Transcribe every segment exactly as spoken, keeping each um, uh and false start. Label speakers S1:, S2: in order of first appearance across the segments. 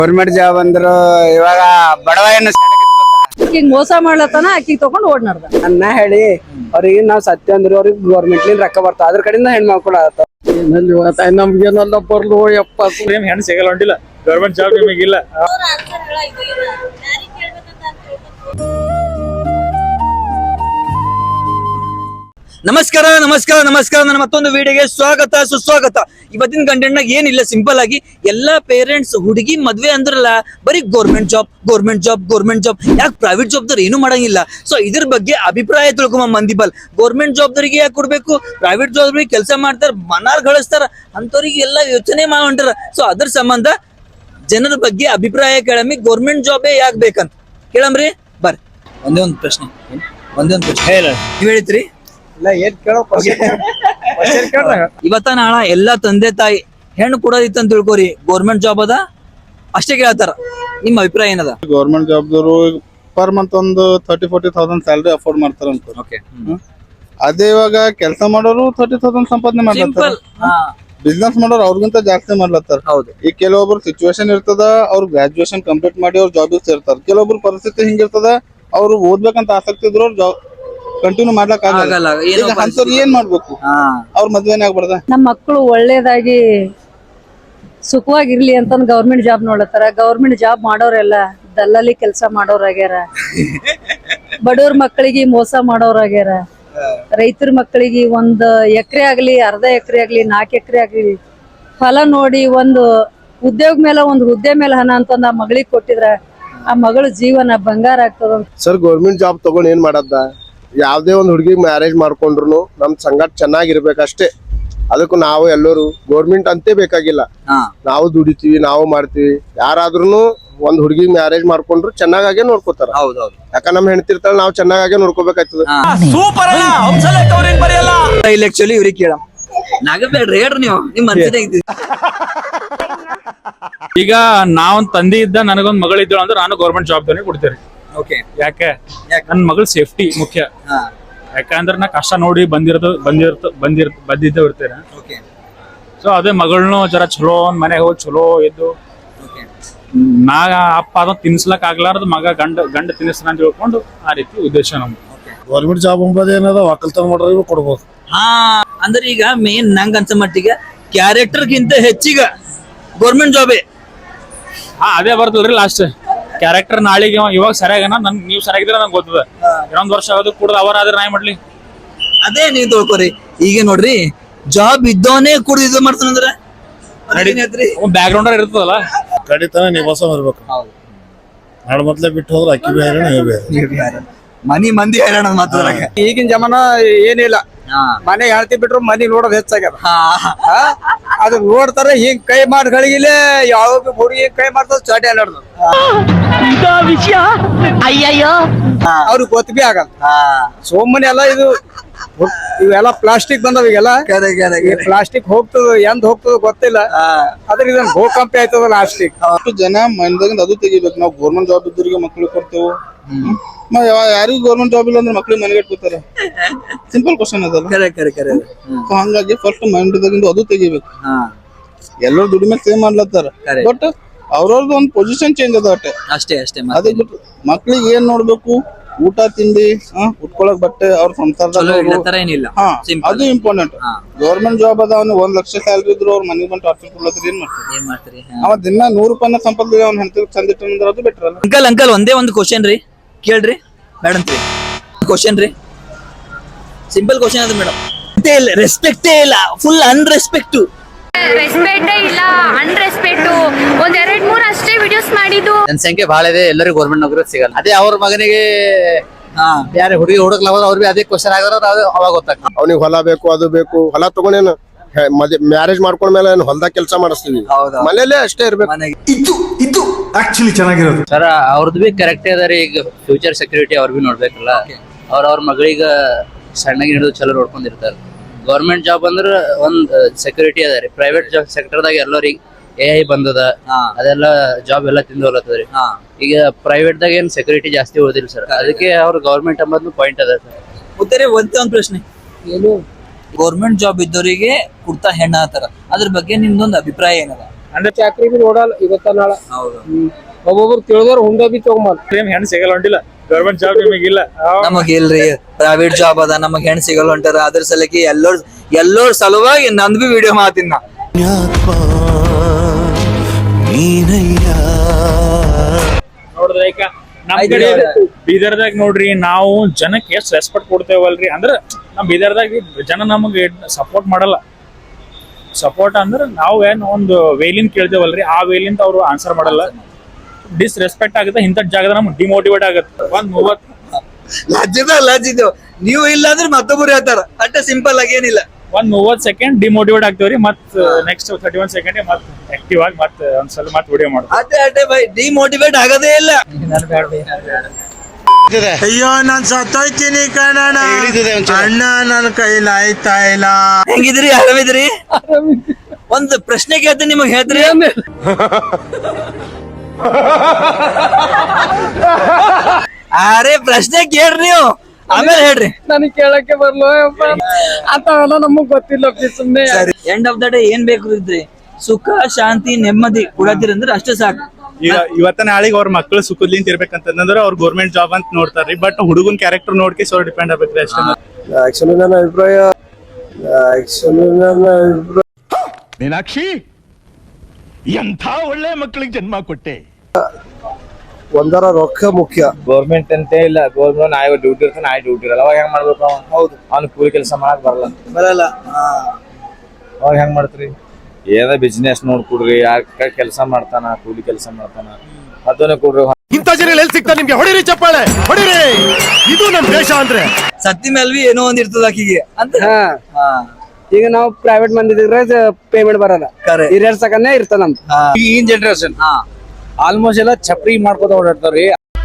S1: Government job ಅಂದ್ರ ಇವಾಗ ಬಡವ ಏನು
S2: ಆಕಿಗ್ ಮೋಸ ಮಾಡ್ಲತ್ತಾನ ಆಕಿಗ್ ತಗೊಂಡ್ ಓಡ್ ನಡ್ದ
S1: ಅನ್ನ ಹೇಳಿ ಅವ್ರಿಗೆ ನಾವ್ ಸತ್ಯ ಅಂದ್ರು ಅವ್ರಿಗೆ ಗೌರ್ಮೆಂಟ್ ಲಿಂದ ರೊಕ್ಕ ಬರ್ತಾವ ಅದ್ರ ಕಡೆಯಿಂದ ಹೆಣ್ಮಕ್ಳು ಆಗತ್ತ
S3: ನಮ್ಗೇನೆಲ್ಲ ಬರ್ಲು ಯಪ್ಪ
S4: ಏನ್ ಹೆಣ್ಣು ಸಿಗಲ್ಲ ಹೊಂಟಿಲ್ಲ ಗೌರ್ಮೆಂಟ್ ಜಾಬ್ ನಿಮಗಿಲ್ಲ.
S5: ನಮಸ್ಕಾರ ನಮಸ್ಕಾರ ನಮಸ್ಕಾರ ನನ್ನ ಮತ್ತೊಂದು ವಿಡಿಯೋಗೆ ಸ್ವಾಗತ ಸುಸ್ವಾಗತ. ಇವತ್ತಿನ ಕಂಟೆಂಟ್ ನಾಗ ಏನಿಲ್ಲ, ಸಿಂಪಲ್ ಆಗಿ ಎಲ್ಲಾ ಪೇರೆಂಟ್ಸ್ ಹುಡುಗಿ ಮದ್ವೆ ಅಂದ್ರಲ್ಲ ಬರೀ government job government job government job ಯಾಕೆ ಪ್ರೈವೇಟ್ ಜಾಬ್ದವ್ರು ಏನು ಮಾಡಂಗಿಲ್ಲ. ಸೊ ಇದ್ರ ಬಗ್ಗೆ ಅಭಿಪ್ರಾಯ ತಿಳ್ಕೊಂಬ ಮಂದಿ ಬಲ್ ಗೌರ್ಮೆಂಟ್ ಜಾಬ್ದವ್ರಿಗೆ ಯಾಕೆ ಕೊಡ್ಬೇಕು, ಪ್ರೈವೇಟ್ ಜಾಬ್ರಿಗೆ ಕೆಲಸ ಮಾಡ್ತಾರ ಮನಾರ್ ಗಳಿಸ್ತಾರ ಅಂತವ್ರಿಗೆ ಎಲ್ಲ ಯೋಚನೆ ಮಾಡ್ಕೊಂತಾರ. ಸೊ ಅದ್ರ ಸಂಬಂಧ ಜನರ ಬಗ್ಗೆ ಅಭಿಪ್ರಾಯ ಕೇಳಮ್ಮಿ, ಗೌರ್ಮೆಂಟ್ ಜಾಬೇ ಯಾಕೆ ಬೇಕಂತ ಕೇಳಮ್ರಿ. ಬರ್ರಿ ಒಂದೇ ಒಂದು ಪ್ರಶ್ನೆ ಒಂದೇ ಒಂದು ಪ್ರಶ್ನೆ ಹೇಳ ನೀವ್ ಹೇಳಿದ್ರಿ ಇವತ್ತ ನಾಳ ಎಲ್ಲಾ ತಂದೆ ತಾಯಿ ಹೆಣ್ಣು ಕೊಡೋದಿತ್ತ ಅಂತ ತಿಳ್ಕೊರಿ, ಗೌರ್ಮೆಂಟ್ ಜಾಬ್ ಅದ ಅಷ್ಟೇ ಕೇಳ್ತಾರ. ನಿಮ್ ಅಭಿಪ್ರಾಯ ಏನದ?
S6: ಗೌರ್ಮೆಂಟ್ ಜಾಬ್ದವರು ಪರ್ ಮಂತ್ ಒಂದು thirty forty thousand salary afford ಮಾಡ್ತಾರ ಅಂತ. ಅದೇ ಇವಾಗ ಕೆಲಸ ಮಾಡೋರು ತರ್ಟಿ ತೌಸಂಡ್ ಸಂಪಾದನೆ ಮಾಡ್ಲತ್ತಾರ, ಬಿಸ್ನೆಸ್ ಮಾಡೋರು ಅವ್ರಿಗಿಂತ ಜಾಸ್ತಿ ಮಾಡ್ಲತ್ತಾರ.
S5: ಹೌದು.
S6: ಈಗ ಕೆಲವೊಬ್ರು ಸಿಚುವೇಶನ್ ಇರ್ತದ, ಅವ್ರು ಗ್ರಾಜುಯೇಷನ್ ಕಂಪ್ಲೀಟ್ ಮಾಡಿ ಅವ್ರ ಜಾಬ್ ಸೇರ್ತಾರ. ಕೆಲವೊಬ್ರು ಪರಿಸ್ಥಿತಿ ಹಿಂಗಿರ್ತದ, ಅವ್ರು ಓದ್ಬೇಕಂತ ಆಸಕ್ತಿ ಇದ್ರು ಅವ್ರ ಜಾಬ್ ಕಂಟಿನ್ಯೂ ಮಾಡ್ಲಕ್ ಆಗಲ್ಲ. ಅಂತವ್ರು ಏನ್ ಮಾಡ್ಬೇಕು? ಅವ್ರ ಮದ್ವೆನೇ ಆಗ್ಬಾರ್ದ?
S2: ನಮ್ ಮಕ್ಕಳು ಒಳ್ಳೇದಾಗಿ ಸುಖವಾಗಿರ್ಲಿ ಅಂತ ಗೌರ್ಮೆಂಟ್ ಜಾಬ್ ನೋಡತ್ತಾರ. ಗೌರ್ಮೆಂಟ್ ಜಾಬ್ ಮಾಡೋರೆಲ್ಲ ದಲ್ಲಾಳಿ ಕೆಲಸ ಮಾಡೋರಾಗ್ಯಾರ, ಬಡವ್ರ ಮಕ್ಕಳಿಗೆ ಮೋಸ ಮಾಡೋರಾಗ್ಯಾರ, ರೈತರ ಮಕ್ಕಳಿಗೆ ಒಂದ್ ಎಕರೆ ಆಗ್ಲಿ ಅರ್ಧ ಎಕರೆ ಆಗ್ಲಿ ನಾಲ್ಕು ಎಕರೆ ಆಗ್ಲಿ ಫಲ ನೋಡಿ ಒಂದು ಉದ್ಯೋಗ ಮೇಲೆ ಒಂದು ಹುದ್ದೆ ಮೇಲೆ ಹಣ ಅಂತಂದ ಆ ಮಗಳಿಗೆ ಕೊಟ್ಟಿದ್ರ ಆ ಮಗಳ ಜೀವನ ಬಂಗಾರ ಆಗ್ತದ.
S3: ಸರ್ ಗೌರ್ಮೆಂಟ್ ಜಾಬ್ ತಗೊಂಡ್ ಏನ್ ಮಾಡದ? ಯಾವ್ದೇ ಒಂದ್ ಹುಡುಗಿ ಮ್ಯಾರೇಜ್ ಮಾಡ್ಕೊಂಡ್ರು ನಮ್ ಸಂಗಾಟ ಚೆನ್ನಾಗಿರ್ಬೇಕಷ್ಟೇ. ಅದಕ್ಕೂ ನಾವು ಎಲ್ಲರೂ ಗೌರ್ಮೆಂಟ್ ಅಂತೇ ಬೇಕಾಗಿಲ್ಲ, ನಾವು ದುಡಿತೀವಿ ನಾವು ಮಾಡ್ತೀವಿ. ಯಾರಾದ್ರೂ ಒಂದ್ ಹುಡುಗಿ ಮ್ಯಾರೇಜ್ ಮಾಡ್ಕೊಂಡ್ರು ಚೆನ್ನಾಗಾಗೆ ನೋಡ್ಕೋತಾರ.
S5: ಹೌದೌದು,
S3: ಯಾಕ ನಮ್ ಹೆಣ್ತಿರ್ತಾಳ ನಾವ್ ಚೆನ್ನಾಗಾಗೆ ನೋಡ್ಕೋಬೇಕಾಗ್ತದ.
S5: ಇಲ್ಲಿ ಆಕ್ಚುಲಿ ಇವ್ರಿಗೆ ಕೇಳ ನಾಗಬೇಡ್ರಿ ಹೇಳ್ರಿ ನೀವು ನಿಮ್ ಮನ್ಸಿನ.
S4: ಈಗ ನಾವೊಂದ್ ತಂದೆ ಇದ್ದ ನನಗೊಂದ್ ಮಗಳು ಇದ್ದಳು ಅಂದ್ರೆ ನಾನು ಗೌರ್ಮೆಂಟ್ ಜಾಬ್ ಕೊಡ್ತೇನೆ.
S5: ಓಕೆ,
S4: ಯಾಕೆ ನನ್ ಮಗಳ ಸೇಫ್ಟಿ ಮುಖ್ಯ. ಯಾಕಂದ್ರೆ ನಾ ಕಷ್ಟ ನೋಡಿ ಬಂದಿರೋದು ಬಂದಿರ್ತ ಬಂದಿರ್ ಬಂದಿದ್ದ ಇರ್ತೇನೆ. ಸೊ ಅದೇ ಮಗಳನ್ನೂ ಜರ ಚಲೋ ಒಂದ್ ಮನೆಗೆ ಹೋಗಿ ಚಲೋ ಇದ್ದು ನಾ ಅಪ್ಪ ಅದ ತಿನ್ಸ್ಲಕ್ ಆಗ್ಲಾರ್ದು ಮಗ ಗಂಡ ಗಂಡ ತಿನ್ನಿಸ್ತಾನ ಅಂತ ತಿಳ್ಕೊಂಡು ಆ ರೀತಿ ಉದ್ದೇಶ ನಮ್ದು.
S3: ಗೌರ್ಮೆಂಟ್ ಜಾಬ್ ಅಂಬುದು ಏನದ ಒಕ್ಕಲ್ತನ ಮಾಡೋರಿಗೆ ಕೊಡ್ಬೋದು.
S5: ಹಾ ಅಂದ್ರೆ ಈಗ ಮೇನ್ ನಂಗ್ ಅನ್ಸ ಮಟ್ಟಿಗೆ ಕ್ಯಾರೆಕ್ಟರ್ ಗಿಂತ ಹೆಚ್ಚಿಗ ಗೌರ್ಮೆಂಟ್ ಜಾಬೇ.
S4: ಹಾ ಅದೇ ಬರ್ತಲ್ರಿ ಲಾಸ್ಟ್ ಕ್ಯಾರೆಕ್ಟರ್. ನಾಳೆಗೆ ಇವಾಗ ಸರಿಯಾಗನ ನನ್ ನೀವ್ ಸರಿಯಾಗಿದ್ರೆ ನಂಗೆ ಗೊತ್ತದ. ಇನ್ನೊಂದ್ ವರ್ಷ ಆಗೋದು ಕೂಡ ಅವರ ಆದ್ರೆ ನಾಯಿ ಮಾಡ್ಲಿ.
S5: ಅದೇ ನೀವ್ ತಿಳ್ಕೊರಿ. ಈಗ ನೋಡ್ರಿ ಜಾಬ್ ಇದ್ದವನೇ ಕೂಡ ಇದು ಮಾಡ್ತಾನಂದ್ರ
S4: ಬ್ಯಾಕ್ ಗ್ರೌಂಡ್ ಇರ್ತದಲ್ಲ,
S3: ಕಡಿತನ ನಿವಾಸ ಇರ್ಬೇಕು. ನಾಳೆ ಮೊದ್ಲೇ ಬಿಟ್ಟು ಹೋದ್ರೆ ಅಕ್ಕಿ ಬೇರೆ
S5: ಮನಿ ಮಂದಿ ಹೈರಾಣ ಮಾತಾಡ.
S1: ಈಗಿನ ಜಮಾನ ಏನಿಲ್ಲ, ಮನೆ ಹೇಳ್ತಿ ಬಿಟ್ರು ಮನಿ ನೋಡೋದ್ ಹೆಚ್ಚಾಗ್ಯದ. ಅದು ನೋಡ್ತಾರ ಹಿಂಗ್ ಕೈ ಮಾಡ್ಗಳಿಗಿಲೆ ಯಾವ ಹುಡುಗಿ ಕೈ ಮಾಡ್ತದ ಚಾಟಿ ಅಲ್ಲಾಡ್ದು ಅವ್ರಿಗೆ ಗೊತ್ತ ಬಿ ಆಗಲ್ಲ. ಸೋಮನೆ ಎಲ್ಲ ಇದು ಇವೆಲ್ಲ ಪ್ಲಾಸ್ಟಿಕ್ ಬಂದವ. ಈಗೆಲ್ಲ ಪ್ಲಾಸ್ಟಿಕ್ ಹೋಗ್ತದ ಎಂದ್ ಹೋಗ್ತದ ಗೊತ್ತಿಲ್ಲ. ಅದ್ರ ಇದನ್ನ ಭೂಕಂಪ ಆಯ್ತದ ಲಾಸ್ಟಿಕ್.
S6: ಅಷ್ಟು ಜನ ಮೈಂಡ್ದಾಗಿಂದ ಅದು ತೆಗಿಬೇಕು. ನಾವು ಗೌರ್ಮೆಂಟ್ ಜಾಬ್ ಇದ್ದವ್ರಿಗೆ ಮಕ್ಳಿಗೆ ಕೊಡ್ತೇವೆ, ಯಾರಿಗೂ ಗೌರ್ಮೆಂಟ್ ಜಾಬ್ ಇಲ್ಲ ಅಂದ್ರೆ ಮಕ್ಳಿಗೆ ಮನೆಗೆ ಇಟ್ಕೋತಾರೆ. ಸಿಂಪಲ್ ಕ್ವಶನ್ ಅದಲ್ಲ. ಹಂಗಾಗಿ ಫಸ್ಟ್ ಮೈಂಡ್ದಾಗಿಂದ ಅದು ತೆಗಿಬೇಕು. ಎಲ್ಲರೂ ದುಡಿಮೆ ಸೇವ್ ಮಾಡ್ಲತ್ತಾರ, ಬಟ್ ಅವ್ರವ್ರದ್ದು ಒಂದು ಪೊಸಿಷನ್ ಚೇಂಜ್ ಅದ ಅಷ್ಟೇ
S5: ಅಷ್ಟೇ ಅಷ್ಟೇ.
S6: ಅದೇ ಬಿಟ್ಟು ಮಕ್ಳಿಗೆ ಏನ್ ನೋಡ್ಬೇಕು, ಊಟ ತಿಂಡಿ, ಉಟ್ಕೊಳಕ್ ಬಟ್ಟೆ, ಅವ್ರ ಸಂಸಾರ
S5: ಏನಿಲ್ಲ,
S6: ಅದು ಇಂಪಾರ್ಟೆಂಟ್. ಗೌರ್ಮೆಂಟ್ ಜಾಬ್ ಅದ, ಅವ್ನು ಒಂದ್ ಲಕ್ಷ ಸ್ಯಾಲ್ರಿ ಇದ್ರು ಅವ್ರ ಮನೆಗೆ ಬಂದು ಟಾರ್ಚರ್ ಕೊಡ್ಲತ್ತರ ಏನ್ ಮಾಡ್ತಾರೆ? ಅವ ದಿನ ನೂರು ರೂಪಾಯಿನ ಸಂಪಾದನೆ ಅವ್ನ ಹೆಂಡತಿ ಚಂದ ಇಟ್ಟಂದ್ರೆ ಅದು ಬೆಟರ್ ಅಲ್ಲ.
S5: ಅಂಕಲ್ ಅಂಕಲ್ ಒಂದೇ ಒಂದು ಕ್ವಶನ್ ರೀ ಕೇಳ್ರಿ ಮೇಡಮ್. ಕ್ವಶನ್ ರೀ, ಸಿಂಪಲ್ ಕ್ವಶನ್ ಅದ ಮೇಡಮ್. ಇಲ್ಲ ರೆಸ್ಪೆಕ್ಟೇ ಇಲ್ಲ, ಫುಲ್ ಅನ್ರೆಸ್ಪೆಕ್ಟ್.
S7: ರೆಸ್ಪೆಕ್ಟೇ ಇಲ್ಲ, ಅನ್ರೆಸ್ಪೆಕ್ಟ್. ಒಂದ್ ಎರಡ್ ಮೂರ್ ಅಷ್ಟೇ ವಿಡಿಯೋಸ್ ಮಾಡಿದ್ದು.
S8: ಜನಸಂಖ್ಯೆ ಬಹಳ ಇದೆ, ಎಲ್ಲರಿಗೂ ಗೌರ್ಮೆಂಟ್ ನೌಕರಿ ಸಿಗಲ್ಲ. ಅದೇ ಅವ್ರ ಮಗನಿಗೆ ಯಾರು ಹುಡುಗಿ ಹುಡುಕ್ಲಾಗ ಅವ್ರಿಗೆ ಅದೇ ಕ್ವಶನ್ ಆಗಿರೋ ಅವಾಗ ಗೊತ್ತಾಗ್ತದೆ.
S3: ಅವ್ನಿಗೆ ಹೊಲ ಬೇಕು, ಅದು ಬೇಕು. ಹೊಲ ತಗೊಂಡೇನು ಮ್ಯಾರೇಜ್ ಮಾಡ್ಕೊಂಡ್ಮೇಲೆ ಹೊಲದಾಗ ಕೆಲಸ ಮಾಡಿಸ್ತೀವಿ, ಮನೇಲೆ ಅಷ್ಟೇ ಇರ್ಬೇಕು.
S9: ಇದು ಇದು ಆಕ್ಚುಲಿ ಚೆನ್ನಾಗಿರೋದು
S8: ಸರ್. ಅವ್ರದ್ದು ಬಿ ಕರೆಕ್ಟ್ ಅದಾರಿ. ಈಗ ಫ್ಯೂಚರ್ ಸೆಕ್ಯೂರಿಟಿ ಅವ್ರ ಬಿ ನೋಡ್ಬೇಕಲ್ಲ. ಅವ್ರ ಅವ್ರ ಮಗಳಿಗೆ ಸಣ್ಣಗೆ ಹಿಡಿದು ಚಲೋ ನೋಡ್ಕೊಂಡಿರ್ತಾರೆ. ಗೌರ್ಮೆಂಟ್ ಜಾಬ್ ಅಂದ್ರೆ ಒಂದ್ ಸೆಕ್ಯೂರಿಟಿ ಅದ ರೀ. ಪ್ರೈವೇಟ್ ಜಾಬ್ ಸೆಕ್ಟರ್ದಾಗ ಎಲ್ಲರಿಗೆ ಎ ಐ ಬಂದದ, ಅದೆಲ್ಲ ಜಾಬ್ ಎಲ್ಲ ತಿಂದು ಹೋಗ್ಲತ್ತದ್ರಿ. ಈಗ ಪ್ರೈವೇಟ್ ದಾಗ ಏನ್ ಸೆಕ್ಯೂರಿಟಿ ಜಾಸ್ತಿ ಉಳಿದಿಲ್ಲ ಸರ್. ಅದಕ್ಕೆ ಅವ್ರ ಗೌರ್ಮೆಂಟ್ ಅಂಬದ್ ಪಾಯಿಂಟ್ ಅದ ಸರ್.
S5: ಉತ್ತರ ಒಂದೇ ಒಂದ್ ಪ್ರಶ್ನೆ, ಏನು ಗೌರ್ಮೆಂಟ್ ಜಾಬ್ ಇದ್ದವರಿಗೆ ಕುಡ್ತಾ ಹೆಣ್ಣ ಆತರ, ಅದ್ರ ಬಗ್ಗೆ ನಿಮ್ದೊಂದು ಅಭಿಪ್ರಾಯ ಏನದ?
S4: ಅಂದ್ರೆ
S1: ಚಾಕ್ರಿ ಬಿ ನೋಡಲ್ಲ ಇವತ್ತ ನಾಳ
S5: ಹೌದು
S1: ಒಬ್ಬೊಬ್ರು ತಿಳಿದವ್ರು ಹುಂಡ ಬಿ ತಗೊಂಬಲ್ಲ
S4: ಸೇಮ್ ಹೆಣ್ಣು ಸಿಗಲ್ಲ ಹೊಂಟಿಲ್ಲ ಗೌರ್ಮೆಂಟ್ ಜಾಬ್ ನಿಮಗಿಲ್ಲ
S5: ನಮಗ್ ಇಲ್ರಿ ಪ್ರೈವೇಟ್ ಜಾಬ್ ಅದ ನಮಗ್ ಹೆಣ್ ಸಿಗಲ್ಲ ಹೊಂಟಾರ ಅದ್ರ ಸಲಕ್ಕೆ ಎಲ್ಲೋರ್ ಎಲ್ಲೋರ್ ಸಲುವಾಗಿ ನಂದ್ ಬಿ ವಿಡಿಯೋ ಮಾತಿನ
S4: ನೋಡಿದ್ರೆ ಈಗ ನಮ್ ಕಡೆ ಬೀದರ್ದಾಗ ನೋಡ್ರಿ ನಾವು ಜನಕ್ಕೆ ಎಷ್ಟ್ ರೆಸ್ಪೆಕ್ಟ್ ಕೊಡ್ತೇವಲ್ರಿ ಅಂದ್ರ ನಮ್ ಬೀದರ್ದಾಗ ಜನ ನಮಗೆ ಸಪೋರ್ಟ್ ಮಾಡಲ್ಲ ಸಪೋರ್ಟ್ ಅಂದ್ರ ನಾವು ಏನ್ ಒಂದು ವೇಲಿನ್ ಕೇಳ್ತೇವಲ್ರಿ ಆ ವೇಲಿಂದ ಅವ್ರು ಆನ್ಸರ್ ಮಾಡಲ್ಲ ಡಿಸ್ ರೆಸ್ಪೆಕ್ಟ್ ಆಗುತ್ತೆ ಇಂಥ ಜಾಗದ ನಮ್ಗೆ ಡಿಮೋಟಿವೇಟ್ ಆಗುತ್ತೆ ಒಂದ್ ಮೂವತ್
S5: ಲಜ್ಜಿದ ಲಜ್ಜಿದ್ದೇವ್ ನೀವು ಇಲ್ಲ ಅಂದ್ರೆ ಮತ್ತೊಬ್ರು ಹೇಳ್ತಾರ ಅಟ್ಟ ಸಿಂಪಲ್ ಆಗಿ ಏನಿಲ್ಲ
S4: ಒಂದ್ ಮೂವತ್ ಸೆಕೆಂಡ್ ಡಿಮೋಟಿವೇಟ್ ಆಗ್ತೇವ್ರಿ ಮತ್ ನೆಕ್ಸ್ಟ್ ತರ್ಟಿ ಒನ್ ಸೆಕೆಂಡ್ ಮತ್ ಆಕ್ಟಿವ್ ಆಗಿ ಮತ್ ಒಂದ್ಸಲ ಮತ್ ವಿಡಿಯೋ ಮಾಡ್ತೀವಿ
S5: ಅಟ್ಟೆ ಅಟ್ಟೆ ಬೈ ಡಿಮೋಟಿವೇಟ್ ಆಗದೇ ಇಲ್ಲ
S3: ಅಯ್ಯೋ ನಾನ್ ಸತ್ತೋಯ್ತೀನಿ ಕಣಣ್ಣ ಅಣ್ಣ ನನ್ನ ಕೈಲಿ ಆಯ್ತಾ ಇಲ್ಲ.
S5: ಹೆಂಗಿದ್ರಿ ಆರಾಮಿದ್ರಿ ಒಂದ್ ಪ್ರಶ್ನೆ ಕೇಳ್ತೀನಿ ನಿಮಗ್ ಹೇಳ್ತೀರಿ ಅರೆ ಪ್ರಶ್ನೆ ಕೇಳ್ರಿ ನೀವು ಆಮೇಲೆ ಹೇಳ್ರಿ
S1: ನನಗ್ ಕೇಳಕ್ಕೆ ಬರ್ಲೋ ಅಂತವೆಲ್ಲ ನಮಗ್ ಗೊತ್ತಿಲ್ಲ ಸುಮ್ನೆ
S5: ಎಂಡ್ ಆಫ್ ದ ಡೇ ಏನ್ ಬೇಕು ಇದ್ರಿ ಸುಖ ಶಾಂತಿ ನೆಮ್ಮದಿ ಕೊಡತ್ತೀರಿ ಅಂದ್ರೆ ಅಷ್ಟೇ ಸಾಕು
S6: ಈಗ ಇವತ್ತ ನಾಳೆಗೆ ಅವ್ರ ಮಕ್ಕಳು ಸುಖದ್ಲಿಂತ ಇರ್ಬೇಕಂತಂದ್ರೆ ಅವ್ರ ಗೌರ್ಮೆಂಟ್ ಜಾಬ್ ಅಂತ ನೋಡ್ತಾರ್ರಿ ಬಟ್ ಹುಡುಗನ್ ಕ್ಯಾರೆಕ್ಟರ್ ನೋಡ್ಕೆ ಸೊ ಡಿಪೆಂಡ್ ಆಗ್ಬೇಕ್ರಿ ಅಷ್ಟೇ.
S3: ಆಕ್ಚುಲಿ ನನ್ನ ಅಭಿಪ್ರಾಯ ಆಕ್ಚುಲಿ ನನ್ನ ಅಭಿಪ್ರಾಯ
S9: ಮೀನಾಕ್ಷಿ ಎಂಥ ಒಳ್ಳೆ ಮಕ್ಕಳಿಗೆ ಜನ್ಮ ಕೊಟ್ಟೆ.
S3: ಒಂದರ ರೊಕ್ಕ ಮುಖ್ಯ.
S1: ಗೌರ್ಮೆಂಟ್ ಅಂತ ಇಲ್ಲ ಗೌರ್ಮೆಂಟ್ ನಾಯಿ ಡ್ಯೂಟಿ ಇರ್ತಾನೆ ನಾಯಿ ಡ್ಯೂಟಿ ಇರಲ್ಲ ಅವಾಗ ಹೆಂಗ್ ಮಾಡ್ಬೇಕು ಅವ ಹೌದು ಅವ್ನು ಕೂಲಿ ಕೆಲಸ ಮಾಡಕ್ ಬರಲ್ಲ
S5: ಬರಲ್ಲ
S1: ಅವಾಗ ಹೆಂಗ್ ಮಾಡ್ತ್ರಿ ಏನ ಬಿಸ್ನೆಸ್ ನೋಡ್ಕೊಡ್ರಿ ಯಾರ ಕೆಲಸ ಮಾಡ್ತಾನ ಕೂಲಿ ಕೆಲಸ ಮಾಡ್ತಾನ ಅದನ್ನ ಕೊಡ್ರಿ.
S9: ಇಂಥ ಜನ ಎಲ್ಲಿ ಸಿಗ್ತಾರೆ ನಿಮ್ಗೆ? ಹೊಡಿರಿ ಚಪ್ಪಾಳೆ ಹೊಡಿರಿ, ಇದು ನಮ್ ದೇಶ ಅಂದ್ರೆ.
S5: ಸತ್ತಿ ಮೇಲ್ವಿ ಏನೋ ಒಂದ್ ಇರ್ತದ ಆಕಿಗೆ ಅಂತ
S1: ಈಗ ನಾವು ಪ್ರೈವೇಟ್ ಮಂದಿದ್ರೆ ಪೇಮೆಂಟ್ ಬರಲ್ಲ
S5: ಕರೆ
S1: ಹಿರಿಯರ್ ಸಕನ್ನೇ ಇರ್ತದ ನಮ್ದು ಈಗಿನ ಜನರೇಷನ್ ಆಲ್ಮೋಸ್ಟ್ ಎಲ್ಲ ಚಪ್ರಿ ಮಾಡ್ಕೋತ ಓಡಾಡ್ತಾವ್ರಿ.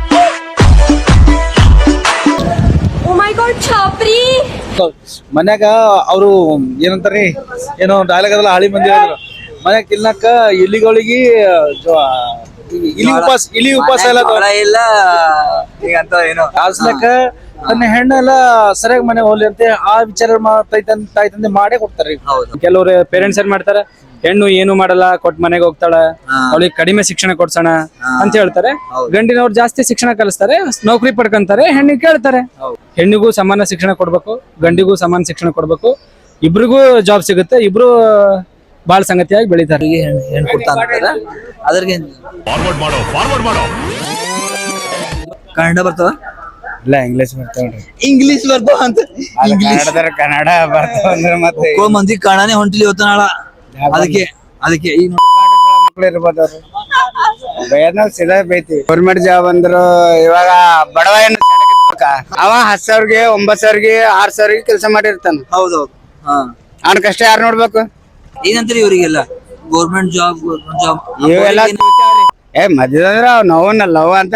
S1: ಮನ್ಯಾಗ ಅವರು ಏನಂತಾರಿ ಏನೋ ಡೈಲಾಗ್ ಅದಲ್ಲ ಹಳಿ ಮಂದಿ ಹೇಳಿದ್ರು ಮನ್ಯಾಗ ತಿನ್ನಕ ಇಲಿಗಳಿಗೆ ಇಲಿ ಉಪವಾಸ ಇಲಿ ಉಪವಾಸ ಎಲ್ಲ
S5: ಇಲ್ಲ ಈಗಂತ ಏನೋ
S1: ಕಾಸ್ಲಕ್ಕ ತನ್ನ ಹೆಣ್ಣೆಲ್ಲ ಸರಿಯಾಗಿ ಮನೆ ಹೋಗ್ಲಿ ಅಂತ ಆ ವಿಚಾರ ತಾಯಿ ತಂದೆ ಮಾಡೇ ಕೊಡ್ತಾರ. ಕೆಲವ್ರು ಪೇರೆಂಟ್ಸ್ ಏನ್ ಮಾಡ್ತಾರ ಹೆಣ್ಣು ಏನು ಮಾಡಲ್ಲ ಕೊಟ್ ಮನೆಗೆ ಹೋಗ್ತಾಳ ಅವಳಿಗೆ ಕಡಿಮೆ ಶಿಕ್ಷಣ ಕೊಡ್ಸೋಣ ಅಂತ ಹೇಳ್ತಾರೆ. ಗಂಡಿನವ್ರು ಜಾಸ್ತಿ ಶಿಕ್ಷಣ ಕಲಿಸ್ತಾರೆ ನೌಕರಿ ಪಡ್ಕೊಂತಾರೆ ಹೆಣ್ಣಿಗೆ ಕೇಳ್ತಾರೆ. ಹೆಣ್ಣಿಗೂ ಸಮಾನ ಶಿಕ್ಷಣ ಕೊಡ್ಬೇಕು ಗಂಡಿಗೂ ಸಮಾನ ಶಿಕ್ಷಣ ಕೊಡ್ಬೇಕು ಇಬ್ರಿಗೂ ಜಾಬ್ ಸಿಗುತ್ತೆ ಇಬ್ರು ಬಾಳ ಸಂಗತಿಯಾಗಿ ಬೆಳಿತಾರೆ.
S5: ಹೆಣ್ಣು ಕೊಡ್ತಾ ಅಂತಾರ ಅದ್ರಿಗೆ
S9: ಫಾರ್ವರ್ಡ್ ಮಾಡೋ ಫಾರ್ವರ್ಡ್ ಮಾಡೋ
S5: ಕನ್ನಡ ಬರ್ತದ
S1: ಇಲ್ಲ ಇಂಗ್ಲಿಷ್ ಬರ್ತಾವ್ರಿ
S5: ಇಂಗ್ಲಿಷ್ ಬರ್ತಾವ ಅಂತ ಇಂಗ್ಲಿಷ್
S1: ಕನ್ನಡ ಬರ್ತಾವ ಅಂದ್ರೆ ಮತ್ತೆ
S5: ಎಷ್ಟೋ ಮಂದಿ ಕನ್ನಡನೇ ಹೊಂಟಿಲಿ ಇವತ್ತ ನಾಳ ಅದಕ್ಕೆ ಅದಕ್ಕೆ ಈಗ
S1: ಮಕ್ಳು ಇರ್ಬೋದು ಬೈದ್ನಾಗ ಸಿದಾ ಬೈತಿ. ಗೌರ್ಮೆಂಟ್ ಜಾಬ್ ಅಂದ್ರು ಇವಾಗ ಬಡವ ಏನು ಅವ ಹತ್ತು ಸಾವಿರಗೆ ಒಂಬತ್ ಸಾವಿರಗೆ ಆರ್ ಸಾವಿರಗೆ ಕೆಲಸ ಮಾಡಿರ್ತಾನ.
S5: ಹೌದೌದು ಹಾ
S1: ಅವ್ನ ಕಷ್ಟ ಯಾರು ನೋಡ್ಬೇಕು?
S5: ಏನಂತೀರಿ ಇವರಿಗೆಲ್ಲ ಗೌರ್ಮೆಂಟ್ ಜಾಬ್ ಗೌರ್ಮೆಂಟ್ ಜಾಬ್
S1: ಇವೆಲ್ಲ ಏ ಮದ್ಯದಂದ್ರ ಅವ್ ನೋವನ್ನ ಲವ್ ಅಂತ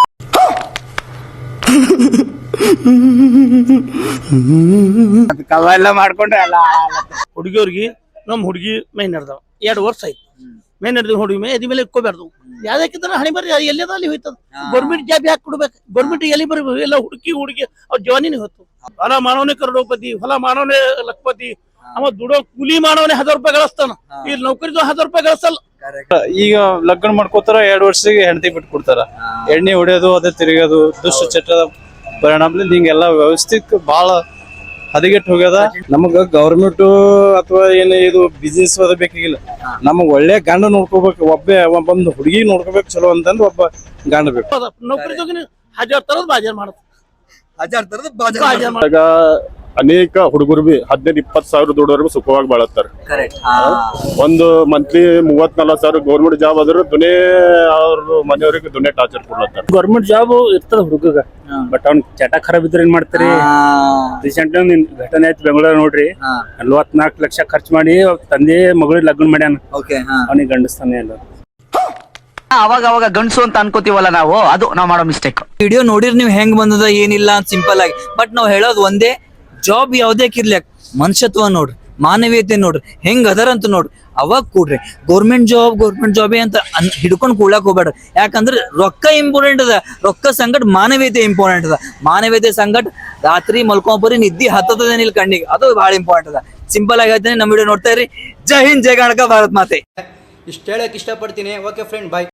S1: ಕವೆಲ್ಲ ಮಾಡ್ಕೊಂಡ್ರೆ ಎಲ್ಲ
S10: ಹುಡುಗಿಯವ್ರಿಗೆ ನಮ್ ಹುಡುಗಿ ಮೈ ನಡೆದವ ಎರಡು ವರ್ಷ ಆಯ್ತು ಮೈ ನಡೆದ ಹುಡುಗಿ ಮೈ ಅದಿ ಮೇಲೆ ಇಕ್ಕೋಬಾರ್ದು ಯಾವ್ದಕ್ಕಿಂತ ಹಣಿ ಬರ್ರಿ ಎಲ್ಲಿದ ಅಲ್ಲಿ ಹೋಯ್ತದ. ಗೌರ್ಮೆಂಟ್ ಜಾಬ್ ಯಾಕೆ ಕೊಡ್ಬೇಕು ಗೌರ್ಮೆಂಟ್ ಎಲ್ಲಿ ಬರ್ಬೇಕು ಎಲ್ಲ ಹುಡುಕಿ ಹುಡುಗಿ ಅವ್ರ ಜವಾನಿನೇ ಹೊತ್ತು ಹೊಲ ಮಾನವನೇ ಕರೋಡಪತಿ ಹೊಲ ಮಾನವನೇ ಲಖಪತಿ ಅವ ದುಡೋ ಕೂಲಿ ಮಾನವನೇ ಹಜಾರ್ ರೂಪಾಯಿ ಗಳಿಸ್ತಾನ ಇಲ್ಲಿ ನೌಕರಿದು ಹಜಾರ್ ರೂಪಾಯಿ ಗಳಿಸಲ್ಲ.
S6: ಈಗ ಲಗ್ನ ಮಾಡ್ಕೋತಾರ ಎರಡ್ ವರ್ಷಕ್ಕೆ ಹೆಂಡತಿ ಬಿಟ್ಟು ಕೊಡ್ತಾರ ಎಣ್ಣೆ ಹೊಡೆಯೋದು ಅದೇ ತಿರುಗೋದು ದುಷ್ಟ ಚಟದ ಪರಿಣಾಮದಿಂದ ಹಿಂಗೆಲ್ಲ ವ್ಯವಸ್ಥಿತ ಬಹಳ ಹದಗೆಟ್ಟು ಹೋಗ್ಯದ. ನಮಗ ಗೌರ್ಮೆಂಟ್ ಅಥವಾ ಏನು ಇದು ಬಿಸ್ನೆಸ್ ಅದ ಬೇಕಾಗಿಲ್ಲ ನಮಗ್ ಒಳ್ಳೆ ಗಂಡ ನೋಡ್ಕೋಬೇಕು ಒಬ್ಬ ಒಬ್ಬೊಂದು ಹುಡುಗಿ ನೋಡ್ಕೋಬೇಕು ಚಲೋ ಅಂತಂದ್ ಒಬ್ಬ ಗಂಡ ಬೇಕು.
S10: ನೌಕರಿದೋಗಿ ಹಜಾರ್ ತರದ್ ಬಾಜಾರ್ ಮಾಡುತ್ತೆ
S5: ಹಜಾರ್ ತರದ ಬಾಜಾರ್
S11: ಈಗ ಅನೇಕ ಹುಡುಗರು ಬಿ ಹದಿನೈದು ಇಪ್ಪತ್ತು ಸಾವಿರ ದುಡ್ಡೋರ್ಗು ಸುಖವಾಗಿ ಬಾಳತ್ತಾರ. ಒಂದು ಮಂತ್ಲಿ ಮೂವತ್ ನಲ್ವತ್ ಸಾವಿರ ಗೌರ್ಮೆಂಟ್ ಜಾಬ್ ಆದ್ರೆ ದುನೇ ಅವ್ರ ಮನೆಯವ್ರಿಗೆ ದುನೇ ಟಾರ್ಚರ್ ಕೊಡ್ಲತ್ತಾರ.
S4: ಗೌರ್ಮೆಂಟ್ ಜಾಬ್ ಇರ್ತದ ಹುಡುಗ ಬಟ್ ಅವ್ನ ಚಟ ಖರಾಬ್ ಇದ್ರೆ ಏನ್ ಮಾಡ್ತೀರಿ? ರೀಸೆಂಟ್ ಘಟನೆ ಆಯ್ತು ಬೆಂಗಳೂರು ನೋಡ್ರಿ ನಲ್ವತ್ನಾಲ್ಕು ಲಕ್ಷ ಖರ್ಚು ಮಾಡಿ ತಂದೆ ಮಗಳಿಗೆ ಲಗ್ನ ಮಾಡ್ಯಾನ ಅವನಿಗೆ ಗಂಡಸ್ತಾನೆ ಎಲ್ಲ.
S5: ಅವಾಗ ಅವಾಗ ಗಂಡಸು ಅಂತ ಅನ್ಕೋತೀವಲ್ಲ ನಾವು ಅದು ನಾವ್ ಮಾಡೋ ಮಿಸ್ಟೇಕ್. ವಿಡಿಯೋ ನೋಡಿರ್ ನೀವ್ ಹೆಂಗ್ ಬಂದದ ಏನಿಲ್ಲ ಅಂತ ಸಿಂಪಲ್ ಆಗಿ ಬಟ್ ನಾವ್ ಹೇಳೋದು ಒಂದೇ ಜಾಬ್ ಯಾವ್ದೇಕಿರ್ಲಿಕ್ ಮನುಷ್ಯತ್ವ ನೋಡ್ರಿ ಮಾನವೀಯತೆ ನೋಡ್ರಿ ಹೆಂಗ್ ಅದರ ಅಂತ ನೋಡ್ರಿ ಅವಾಗ ಕೂಡ್ರಿ. ಗೌರ್ಮೆಂಟ್ ಜಾಬ್ ಗೌರ್ಮೆಂಟ್ ಜಾಬೇ ಅಂತ ಹಿಡ್ಕೊಂಡ್ ಕೂಡಕ್ ಹೋಗ್ಬೇಡ ಯಾಕಂದ್ರೆ ರೊಕ್ಕ ಇಂಪಾರ್ಟೆಂಟ್ ಅದ ರೊಕ್ಕ ಸಂಗಟ್ ಮಾನವೀಯತೆ ಇಂಪಾರ್ಟೆಂಟ್ ಅದ ಮಾನವೀಯತೆ ಸಂಗಟ್ ರಾತ್ರಿ ಮಲ್ಕೊಂಬರಿ ನಿದ್ದಿ ಹತ್ತದೇನಿಲ್ಲ ಕಣ್ಣಿಗೆ ಅದು ಬಹಳ ಇಂಪಾರ್ಟೆಂಟ್ ಅದ. ಸಿಂಪಲ್ ಆಗಿ ಹೇಳ್ತೇನೆ ನಮ್ಮ ವಿಡಿಯೋ ನೋಡ್ತಾ ಇರಿ. ಜೈ ಹಿಂದ್ ಜೈ ಕರ್ನಾಟಕ ಭಾರತ್ ಮಾತೆ. ಇಷ್ಟು ಹೇಳಕ್ಕೆ ಇಷ್ಟಪಡ್ತೀನಿ. ಓಕೆ ಫ್ರೆಂಡ್, ಬಾಯ್.